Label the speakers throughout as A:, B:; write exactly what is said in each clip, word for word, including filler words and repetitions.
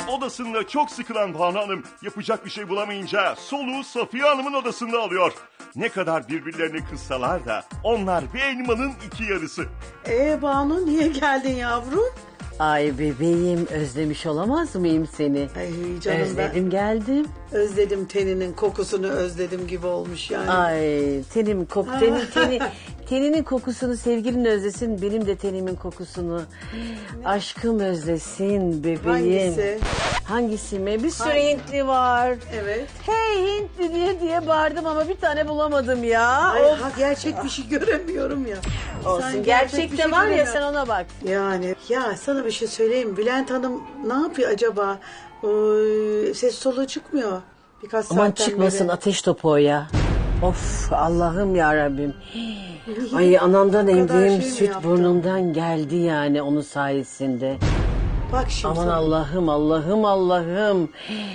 A: Odasında çok sıkılan Banu Hanım yapacak bir şey bulamayınca soluğu Safiye Hanım'ın odasında alıyor. Ne kadar birbirlerini kıssalar da onlar bir elmanın iki yarısı.
B: Ee Banu niye geldin yavrum?
C: Ay bebeğim, özlemiş olamaz mıyım seni?
B: Ay canım
C: Özledim geldim.
B: ben özledim teninin kokusunu özledim gibi olmuş yani.
C: Ay tenim kok tenin, teni, teninin kokusunu sevgilin özlesin, benim de tenimin kokusunu. Aşkım özlesin bebeğim.
B: Hangisi?
C: Hangisi mi? Bir sürü
B: Hangi?
C: Hintli var.
B: Evet.
C: Hey Hintli diye diye bağırdım ama bir tane bulamadım ya.
B: Ay,
C: Of.
B: ha, gerçek bir şey göremiyorum ya.
C: Olsun,
B: Sen
C: gerçekte
B: bir şey
C: var ya,
B: göremiyorsun.
C: sen ona bak.
B: Yani ya sana bir şey söyleyeyim. Bülent Hanım ne yapıyor acaba? Ee, ses soluğu çıkmıyor. Birkaç
C: Aman
B: saatten
C: çıkmasın
B: beri.
C: ateş topu o ya. Of Allah'ım ya Rabbim. Ay anamdan
B: O kadar
C: emdiğim
B: şey mi
C: süt
B: yaptı?
C: burnumdan geldi yani onun sayesinde.
B: Bak şimdi
C: Aman
B: sana.
C: Allah'ım Allah'ım Allah'ım.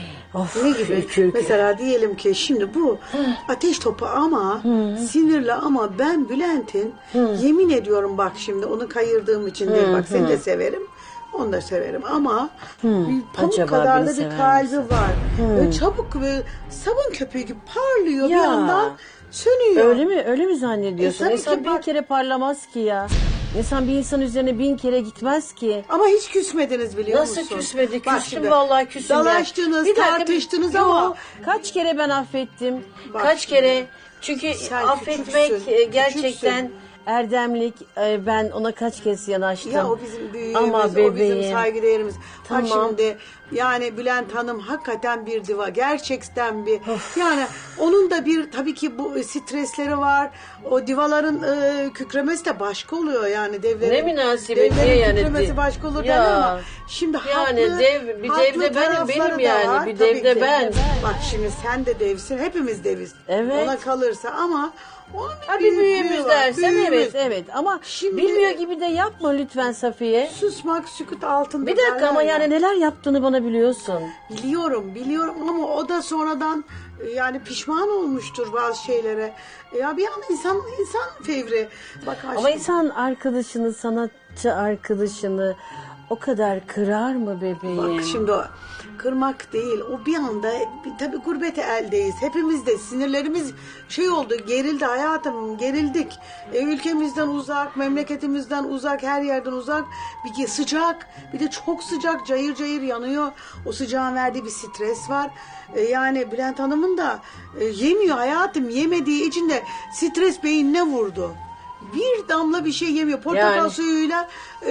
C: Of,
B: Ne gibi?
C: ürkür.
B: Mesela diyelim ki şimdi bu ateş topu ama sinirli ama ben Bülent'in yemin ediyorum bak şimdi onu kayırdığım için değil bak seni de severim. Onu da severim ama bir pamuk
C: Acaba
B: kadar
C: beni
B: da bir
C: sever
B: kalbi
C: misin?
B: var. Böyle çabuk ve sabun köpüğü gibi parlıyor bir
C: Ya.
B: yandan sönüyor.
C: Öyle mi? Öyle mi zannediyorsun?
B: E, tabii
C: İnsan
B: ki
C: bin
B: bak-
C: kere parlamaz ki ya. İnsan bir insan üzerine bin kere gitmez ki.
B: Ama hiç küsmediniz biliyor
C: Nasıl
B: musun?
C: küsmedi?
B: Bak
C: Küstüm
B: şimdi,
C: vallahi küstüm. ya.
B: Dalaştınız,
C: Bir dakika, bir-
B: tartıştınız
C: Yo,
B: ama
C: kaç kere ben affettim.
B: Bak
C: kaç
B: şimdi.
C: kere. Çünkü
B: Sen
C: affetmek
B: küçüksün,
C: e, gerçekten
B: küçüksün.
C: erdemlik. E, Ben ona kaç kez yanaştım.
B: ya o bizim büyüğümüz,
C: Ama
B: o bizim
C: bebeğim.
B: saygıdeğerimiz.
C: Tamam.
B: Bak şimdi yani Bülent Hanım hakikaten bir diva. Gerçekten bir. Yani onun da bir tabii ki bu stresleri var. O divaların e, kükremesi de başka oluyor yani devlerin.
C: Ne münasebet,
B: devlerin
C: niye yani?
B: kükremesi başka olur
C: Ya.
B: derler ama şimdi
C: Yani
B: haklı,
C: dev- bir
B: haklı
C: dev de benim,
B: tarafları
C: benim
B: da
C: yani.
B: var.
C: Bir
B: Tabii
C: dev de
B: ki.
C: ben.
B: Bak şimdi sen de devsin. Hepimiz deviz.
C: Evet.
B: Ona kalırsa ama onun bir
C: Ha bir
B: büyüklüğü
C: büyüğümüz
B: var,
C: dersen
B: büyüğümüz.
C: evet evet ama
B: Şimdi-
C: bilmiyor gibi de yapma lütfen Safiye.
B: Susmak sükut altında.
C: Bir dakika ama
B: derler ya.
C: yani neler yaptığını bana biliyorsun.
B: Biliyorum, biliyorum ama o da sonradan e, yani pişman olmuştur bazı şeylere. E, Ya bir an insan insan fevri. Bak aşkım.
C: Ama insan arkadaşını, sanatçı arkadaşını o kadar kırar mı bebeğim?
B: Bak şimdi o kırmak değil. O bir anda bir- tabii gurbete eldeyiz. Hepimiz de sinirlerimiz şey oldu, gerildi hayatım, gerildik. E, ülkemizden uzak, memleketimizden uzak, her yerden uzak. Bir de sıcak, bir de çok sıcak, cayır cayır yanıyor. O sıcağın verdiği bir stres var. E, yani Bülent Hanım'ın da e, yemiyor hayatım. Yemediği için de stres beynine vurdu. Bir damla bir şey yemiyor. Portakal
C: Yani.
B: suyuyla,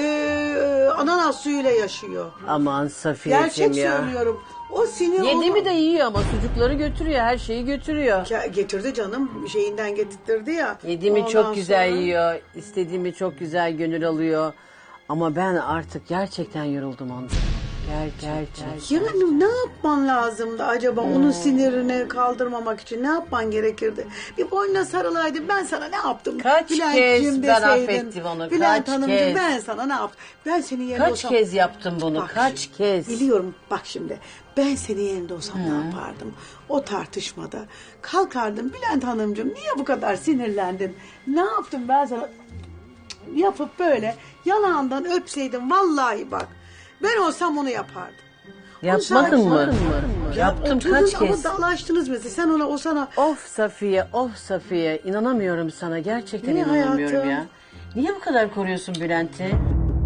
B: e, ananas suyuyla yaşıyor.
C: Aman Safiyeciğim
B: Gerçek
C: ya.
B: söylüyorum. O sinir
C: Yedi
B: onu-
C: mi de yiyor ama sucukları götürüyor, her şeyi götürüyor.
B: Ya getirdi canım şeyinden getirtirdi ya.
C: Yediğimi
B: Ondan
C: çok güzel
B: sonra-
C: yiyor, istediğimi çok güzel gönül alıyor. Ama ben artık gerçekten yoruldum ondan. Ger gerçekten.
B: Yani ne yapman lazımdı acaba onun sinirini kaldırmamak için ne yapman gerekirdi? Bir boynuna sarılaydı ben sana ne yaptım?
C: Kaç
B: Bülent'cim
C: kez ben
B: deseydin,
C: affettim onu,
B: Bülent
C: kaç
B: Hanımcığım
C: kez?
B: ben sana ne yaptım? Ben senin yerinde
C: Kaç
B: olsam...
C: kez yaptım bunu,
B: Bak
C: kaç
B: şimdi,
C: kez?
B: Biliyorum bak şimdi ben senin yerinde olsam ne yapardım? O tartışmada kalkardım Bülent Hanımcığım niye bu kadar sinirlendin? Ne yaptım ben sana? Yapıp böyle yanağından öpseydim vallahi bak ben olsam onu yapardım.
C: Yapmadın
B: Onu
C: mı?
B: sadece-
C: Yaptım
B: Oturdun
C: kaç
B: ama
C: kez?
B: dalaştınız mesela sen ona o sana
C: Of Safiye, of Safiye. İnanamıyorum sana. Gerçekten
B: Niye
C: inanamıyorum
B: hayatım?
C: ya. Niye bu kadar koruyorsun Bülent'i?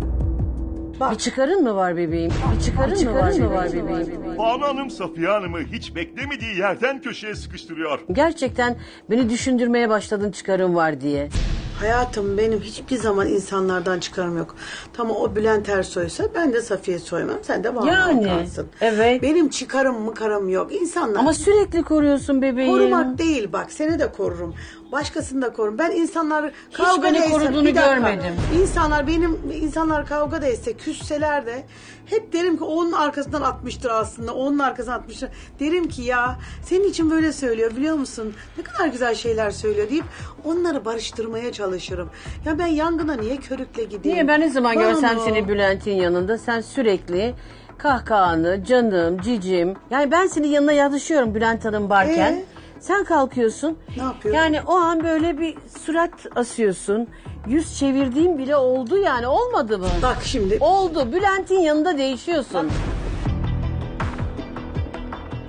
B: bak
C: Bir çıkarın mı var bebeğim? Bir çıkarın, mı var, mı var bebeğim?
A: Banu Hanım Safiye Hanım'ı hiç beklemediği yerden köşeye sıkıştırıyor.
C: Gerçekten beni düşündürmeye başladın çıkarın var diye.
B: hayatım benim hiçbir zaman insanlardan çıkarım yok. Tamam o Bülent Ersoy'sa ben de Safiye Soymam sen de Banu
C: Yani,
B: Alkansın.
C: evet.
B: Benim çıkarım mıkarım yok. İnsanlar
C: Ama sürekli koruyorsun bebeğim.
B: korumak değil bak seni de korurum. Başkasını da korurum. Ben insanlar kavga
C: beni
B: etse-
C: koruduğunu
B: bir dakika.
C: görmedim.
B: İnsanlar benim insanlar kavga da etse küsseler de hep derim ki onun arkasından atmıştır aslında. Onun arkasından atmıştır. Derim ki ya senin için böyle söylüyor biliyor musun? Ne kadar güzel şeyler söylüyor deyip onları barıştırmaya çalışırım. Ya ben yangına niye körükle gideyim?
C: Niye ben ne zaman görsem
B: Banu.
C: seni Bülent'in yanında sen sürekli kahkahanı, canım, cicim. Yani ben senin yanına yatışıyorum Bülent Hanım varken.
B: Ee?
C: Sen kalkıyorsun.
B: Ne yapıyorum?
C: Yani o an böyle bir surat asıyorsun. Yüz çevirdiğim bile oldu yani olmadı mı?
B: Bak şimdi
C: Oldu. Bülent'in yanında değişiyorsun.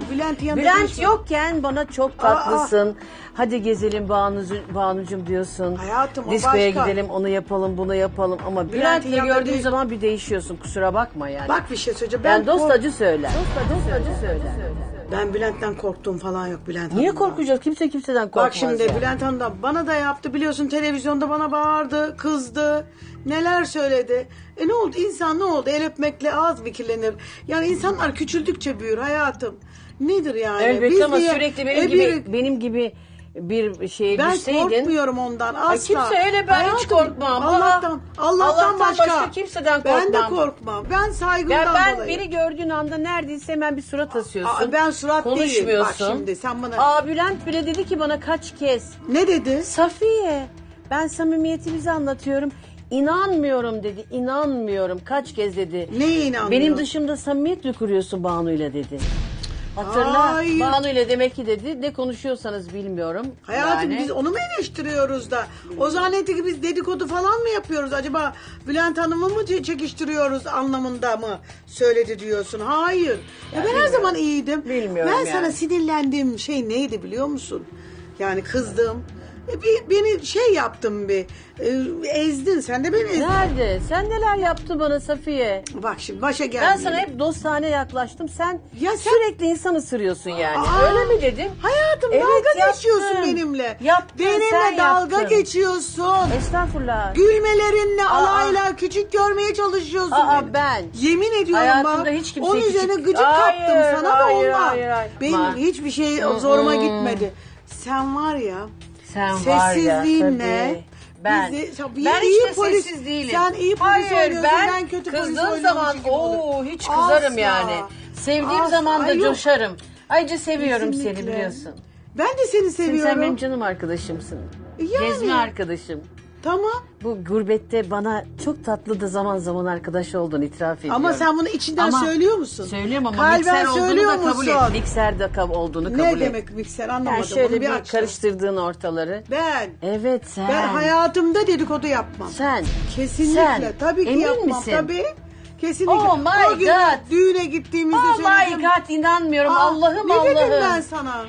B: Bülent yanında
C: Bülent
B: değilsin.
C: yokken bana çok tatlısın. Hadi gezelim Banucu, Banucum diyorsun.
B: Hayatım, o
C: Diskoya
B: başka.
C: gidelim, onu yapalım, bunu yapalım. Ama
B: Bülent'in
C: Bülent'le
B: yanında
C: gördüğün
B: değil.
C: zaman bir değişiyorsun. Kusura bakma yani.
B: Bak bir şey söyleyeceğim.
C: ben dost
B: kork-
C: acı söyler. Dost acı söyler.
B: Ben Bülent'ten korktuğum falan yok Bülent
C: Niye
B: Hanım'dan.
C: korkacağız? Kimse kimseden korkmaz.
B: Bak şimdi
C: yani.
B: Bülent Hanım da bana da yaptı biliyorsun, televizyonda bana bağırdı, kızdı, neler söyledi. E ne oldu, insan ne oldu, el öpmekle ağız mı kirlenir? Yani insanlar küçüldükçe büyür hayatım. Nedir yani?
C: Elbette
B: Biz
C: ama
B: niye-
C: sürekli benim
B: E
C: gibi
B: bir-
C: benim gibi bir şeye
B: ben
C: düşseydin.
B: korkmuyorum ondan asla.
C: Ay kimse öyle, ben hiç
B: Hayatım,
C: korkmam.
B: Allah'tan,
C: Aa,
B: Allah'tan,
C: Allah'tan
B: başka.
C: başka kimseden
B: Ben de
C: korkmam.
B: korkmam. Ben saygımdan
C: Ya ben
B: dolayı.
C: biri gördüğün anda neredeyse hemen bir surat asıyorsun.
B: Aa, ben surat değilim.
C: konuşmuyorsun.
B: Bak şimdi sen bana-
C: Aa Bülent bile dedi ki bana kaç kez.
B: Ne dedi?
C: Safiye ben samimiyetimizi anlatıyorum. İnanmıyorum dedi. İnanmıyorum. Kaç kez dedi.
B: Neye inanmıyor?
C: Benim dışımda samimiyet mi kuruyorsun Banu'yla dedi. Hatırla.
B: Hayır.
C: Banu'yla demek ki dedi. Ne konuşuyorsanız bilmiyorum.
B: Hayatım
C: Yani.
B: biz onu mu eleştiriyoruz da? O zannetti ki biz dedikodu falan mı yapıyoruz? Acaba Bülent Hanım'ı mı çe- çekiştiriyoruz anlamında mı söyledi diyorsun? Hayır. Ya ben her zaman iyiydim.
C: Bilmiyorum
B: Ben
C: yani.
B: sana sinirlendiğim şey neydi biliyor musun? Yani kızdım. E, bir, beni şey yaptın bir. e, ezdin. Sen de beni ezdin.
C: Nerede? Sen neler yaptın bana Safiye?
B: Bak şimdi başa geldi.
C: Ben sana hep dostane yaklaştım. Sen,
B: Ya sen-
C: sürekli insan ısırıyorsun yani.
B: Aa,
C: Öyle mi dedim?
B: Hayatım
C: Evet,
B: dalga
C: yaptın.
B: geçiyorsun benimle.
C: Yaptın,
B: benimle
C: sen
B: dalga
C: yaptın.
B: geçiyorsun.
C: Estağfurullah.
B: Gülmelerinle
C: Aa.
B: alayla küçük görmeye çalışıyorsun
C: Aa,
B: beni.
C: ben.
B: Yemin ediyorum
C: Hayatımda
B: bak.
C: hiç kimseye
B: Onun
C: küçük-
B: üzerine gıcık
C: Hayır,
B: kaptım sana
C: hayır,
B: da ondan.
C: hayır, hayır.
B: Benim
C: Ma-
B: hiçbir şey zoruma gitmedi. Sen var ya.
C: Sen var ya
B: sessizliğinle.
C: tabii. Ben,
B: bizi- sen
C: ben
B: iyi
C: hiç de
B: polis-
C: sessiz değilim.
B: Sen iyi polis
C: Hayır,
B: oynuyorsun,
C: ben,
B: ben kötü polis
C: kızdığım
B: oynuyormuş
C: zaman
B: gibi olur.
C: ooo hiç kızarım
B: Asla.
C: yani. Sevdiğim
B: Asla.
C: zaman da
B: Ay, yok.
C: coşarım. Ayrıca seviyorum seni
B: Kesinlikle.
C: biliyorsun.
B: Ben de seni
C: Sen,
B: seviyorum.
C: sen benim canım arkadaşımsın.
B: Yani.
C: Gezme arkadaşım.
B: Tamam.
C: Bu gurbette bana çok tatlı da zaman zaman arkadaş oldun, itiraf ediyorum.
B: Ama sen bunu içinden
C: Ama-
B: söylüyor musun?
C: Söylüyorum ama
B: Kalben
C: mikser olduğunu
B: söylüyor
C: da kabul
B: musun?
C: et. Mikser de kab- olduğunu kabul
B: Ne
C: et.
B: demek mikser anlamadım.
C: Yani şöyle
B: Bunu
C: bir,
B: aç.
C: karıştırdığın ortaları.
B: Ben.
C: Evet sen.
B: Ben hayatımda dedikodu yapmam.
C: Sen.
B: Kesinlikle.
C: Sen.
B: Tabii ki
C: Emin
B: yapmam.
C: misin?
B: Tabii. Kesinlikle.
C: Oh my
B: o gün
C: God.
B: düğüne gittiğimizde
C: Oh
B: söyledim.
C: my God inanmıyorum.
B: Aa,
C: Allah'ım
B: ne
C: Allah'ım.
B: dedim ben sana?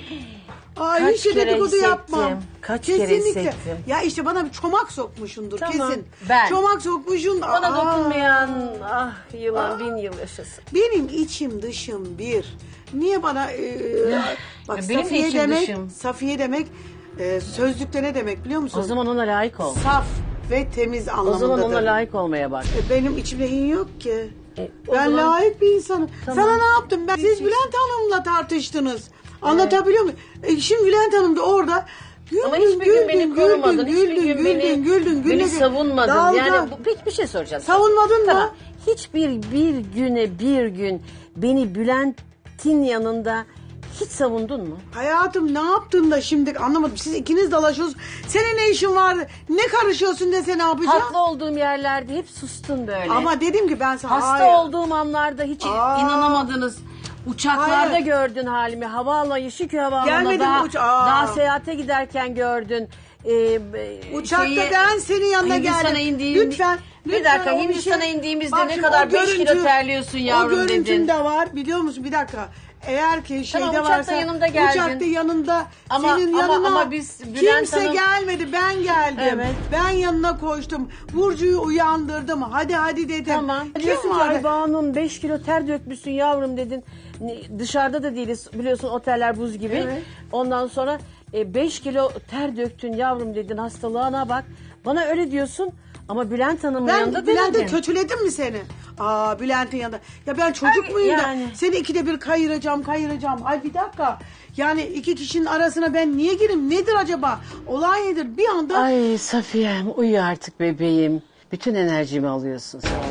B: Aa,
C: Kaç
B: hiç de
C: kere
B: dedikodu
C: hissettim.
B: yapmam.
C: Kaç kere
B: Kesinlikle.
C: hissettim.
B: Ya işte bana bir çomak sokmuşundur
C: Tamam,
B: kesin.
C: ben.
B: Çomak sokmuşsun.
C: Bana
B: Aa.
C: dokunmayan ah yılan bin yıl yaşasın.
B: Benim içim dışım bir. Niye bana e, bak
C: Ya benim de
B: Safiye
C: içim
B: demek,
C: dışım.
B: Safiye demek e, sözlükte ne demek biliyor musun?
C: O zaman ona layık ol.
B: Saf ve temiz
C: O
B: anlamındadır.
C: zaman ona layık olmaya bak.
B: E, benim içimde in yok ki.
C: E, o
B: Ben
C: zaman-
B: layık bir insanım.
C: Tamam.
B: Sana ne yaptım ben? Siz Bülent Hanım'la tartıştınız. Anlatabiliyor muyum? E, şimdi Bülent Hanım da orada güldün,
C: Ama hiçbir gün beni
B: güldün,
C: korumadın.
B: güldün,
C: Hiçbir
B: güldün,
C: gün beni,
B: güldün, güldün,
C: beni
B: güldün.
C: savunmadın.
B: Dalga.
C: Yani bu, peki bir şey soracağım.
B: Savunmadın mı?
C: Tamam. Hiçbir bir güne bir gün beni Bülent'in yanında hiç savundun mu?
B: Hayatım ne yaptın da şimdi anlamadım. Siz ikiniz dalaşıyorsunuz. Senin ne işin var? Ne karışıyorsun dese ne yapacağım?
C: Haklı olduğum yerlerde hep sustun böyle.
B: Ama dedim ki ben sana
C: Hasta
B: hayır.
C: olduğum anlarda hiç
B: Aa.
C: inanamadınız. Uçaklarda
B: Hayır.
C: gördün halimi. Havaalanı, Şükrü Havaalanı'na
B: Gelmedim
C: daha,
B: uç- Aa.
C: daha seyahate giderken gördün. Ee, e,
B: Uçakta
C: şeyi-
B: ben senin yanına
C: Hindistan'a
B: geldim.
C: indiğim-
B: Lütfen.
C: Bir
B: lütfen
C: dakika,
B: o bir
C: Hindistan'a
B: şey-
C: indiğimizde
B: Bak
C: ne
B: şimdi
C: kadar
B: o
C: beş kilo
B: görüntü-
C: terliyorsun yavrum
B: O görüntüm
C: dedin.
B: de var biliyor musun? Bir dakika. Eğer ki şeyde
C: Tamam, uçakta
B: varsa
C: yanımda geldin.
B: uçakta yanında
C: Ama-
B: senin
C: ama-
B: yanına
C: ama biz Bülent
B: kimse
C: Hanım-
B: gelmedi ben geldim.
C: Evet.
B: Ben yanına koştum. Burcu'yu uyandırdım. Hadi hadi dedim.
C: Tamam.
B: Kim
C: Diyorsun ki
B: vardı?
C: ay Banu'm beş kilo ter dökmüşsün yavrum dedin. Ne- Dışarıda da değiliz biliyorsun oteller buz gibi.
B: Evet.
C: Ondan sonra beş kilo ter döktün yavrum dedin hastalığına bak. Bana öyle diyorsun ama Bülent Hanım'ın yanında
B: Ben Bülent'e
C: demedin.
B: kötüledim mi seni? Aa Bülent'in yanında. Ya ben çocuk
C: Ay,
B: muyum
C: yani.
B: da seni ikide bir kayıracağım kayıracağım. Ay bir dakika. Yani iki kişinin arasına ben niye gireyim? Nedir acaba? Olay nedir? Bir anda
C: Ay Safiye'm uyu artık bebeğim. Bütün enerjimi alıyorsun sen.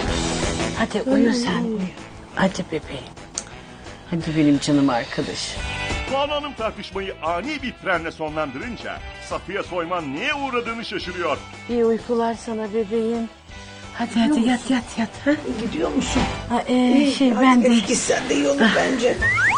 C: Hadi uyu sen uyu. Hadi bebeğim. Hadi benim canım arkadaş.
A: Banu Hanım tartışmayı ani bir frenle sonlandırınca Safiye Soyman neye uğradığını şaşırıyor.
C: İyi uykular sana bebeğim. Hadi hadi yat yat yat. Ha?
B: gidiyor musun?
C: Ha, ee, şey
B: Hadi
C: ben de.
B: eski sen de iyi olur bence.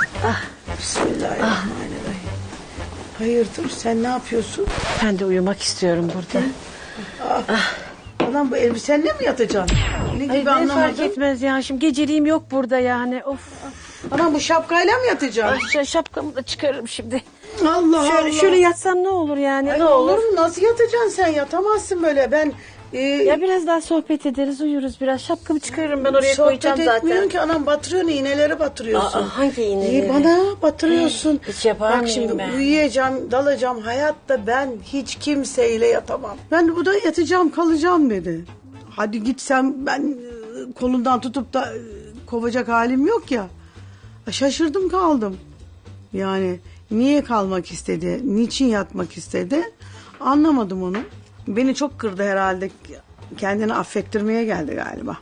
B: Bismillahirrahmanirrahim. Hayırdır sen ne yapıyorsun?
C: Ben de uyumak istiyorum burada.
B: Ulan bu elbisenle mi yatacaksın? Ne gibi
C: Ay, ne fark
B: anlamadım.
C: etmez ya. Şimdi geceliğim yok burada yani. Of.
B: Anam bu şapkayla mı
C: Ay,
B: yatacaksın?
C: şu şapkamı da çıkarırım şimdi.
B: Allah
C: Şöyle,
B: Allah.
C: şöyle yatsam ne olur yani?
B: Ay,
C: ne
B: olur
C: olur?
B: mu? Nasıl yatacaksın sen? Yatamazsın böyle. Ben e,
C: Ya biraz daha sohbet ederiz, uyuruz biraz. Şapkamı çıkarırım ben oraya koyacağım
B: sohbet etmiyorsun
C: zaten.
B: ki anam, batırıyorsun, iğneleri batırıyorsun.
C: Aa, hangi iğneleri?
B: İyi, bana batırıyorsun.
C: Hiç yapar
B: Bak
C: mıyım
B: şimdi
C: ben?
B: uyuyacağım, dalacağım. Hayatta ben hiç kimseyle yatamam. Ben bu da yatacağım, kalacağım dedi. Hadi gitsem ben e, kolundan tutup da e, kovacak halim yok ya. Şaşırdım kaldım. Yani niye kalmak istedi, niçin yatmak istedi anlamadım onu. Beni çok kırdı herhalde. Kendini affettirmeye geldi galiba.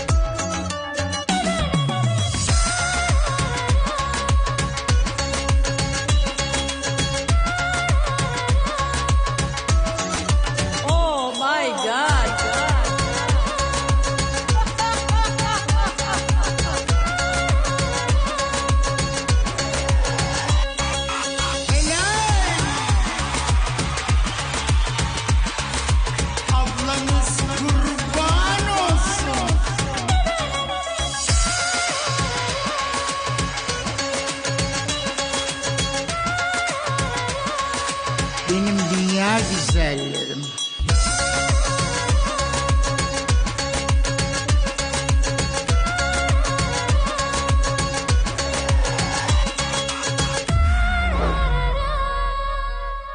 C: Oh my God.
D: Ablanız kurban olsun. Benim dünya güzelleri.